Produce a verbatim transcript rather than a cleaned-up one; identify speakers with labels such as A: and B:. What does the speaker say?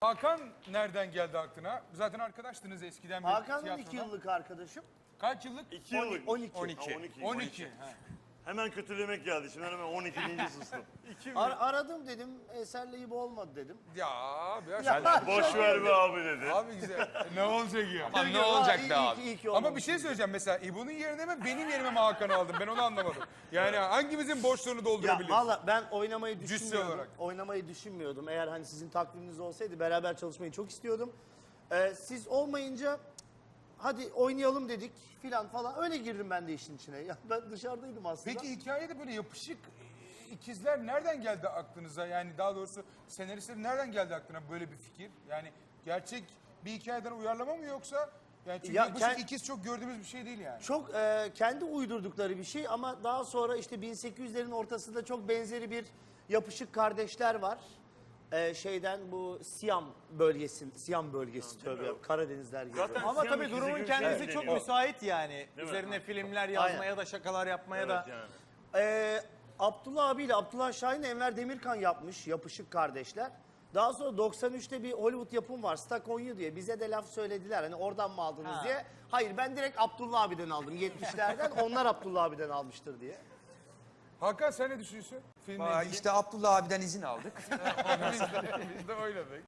A: Hakan nereden geldi aklına? Zaten arkadaştınız eskiden.
B: Hakan'ın
A: tiyatrodan.
B: iki yıllık arkadaşım.
A: Kaç yıllık?
C: İki yıllık.
B: on iki.
C: Ha,
A: on iki.
C: on iki.
A: Ha.
C: Hemen kötülemek geldi. Şimdi hemen on ikinci sustum.
B: Ar- aradım dedim, eserle gibi olmadı dedim.
A: Ya abi ya.
B: Ya,
A: sen-
C: Boş ver be abi dedi.
A: Abi güzel. ne olacak ya?
D: Ama ne
B: Ha,
D: olacak
B: iyi-
D: be
B: iyi
D: abi?
B: ki- iyi ki
A: Ama
B: olmamış.
A: bir şey söyleyeceğim mesela İbo'nun yerine mi benim yerime mi Hakan'ı aldın? Ben onu anlamadım. Yani hangimizin boşluğunu
B: Ya
A: doldurabiliriz?
B: valla ben oynamayı
A: Cüssü
B: düşünmüyordum.
A: olarak.
B: Oynamayı düşünmüyordum. Eğer hani sizin takviminiz olsaydı beraber çalışmayı çok istiyordum. Ee, siz olmayınca hadi oynayalım dedik filan falan. Öyle girdim ben de işin içine. Ya ben dışarıdaydım aslında.
A: Peki hikayede böyle yapışık e, ikizler nereden geldi aklınıza? Yani daha doğrusu senaristlerin nereden geldi aklına böyle bir fikir? Yani gerçek bir hikayeden uyarlama mı yoksa? Yani çünkü
B: Ya
A: yapışık
B: kend-
A: ikiz çok gördüğümüz bir şey değil yani.
B: Çok e, kendi uydurdukları bir şey ama daha sonra işte bin sekiz yüzlerin ortasında çok benzeri bir yapışık kardeşler var. E, şeyden bu Siyam bölgesi, Siyam bölgesi tövbe ya, Karadenizler gibi.
C: Zaten
E: Ama
C: Siyam
E: tabii
C: ikizi
E: durumun
C: gibi
E: kendisi
C: şey
E: çok
C: deniyor.
E: müsait yani.
C: Değil mi?
E: Üzerine
C: Ha.
E: filmler yazmaya
B: Aynen.
E: da şakalar yapmaya
C: Evet
E: da.
C: yani.
B: Ee, Abdullah abiyle Abdullah Şahin, Enver Demirkan yapmış Yapışık Kardeşler. Daha sonra doksan üçte bir Hollywood yapım var Stuck on You diye. Bize de laf söylediler hani oradan mı aldınız
E: Ha.
B: diye. Hayır ben direkt Abdullah abiden aldım yetmişlerden. Onlar Abdullah abiden almıştır diye.
A: Hakan sen ne düşünüyorsun? Filmle
D: Aa,
A: ilgili.
D: İşte Abdullah abiden izin aldık.
A: biz, de, biz de oynadık.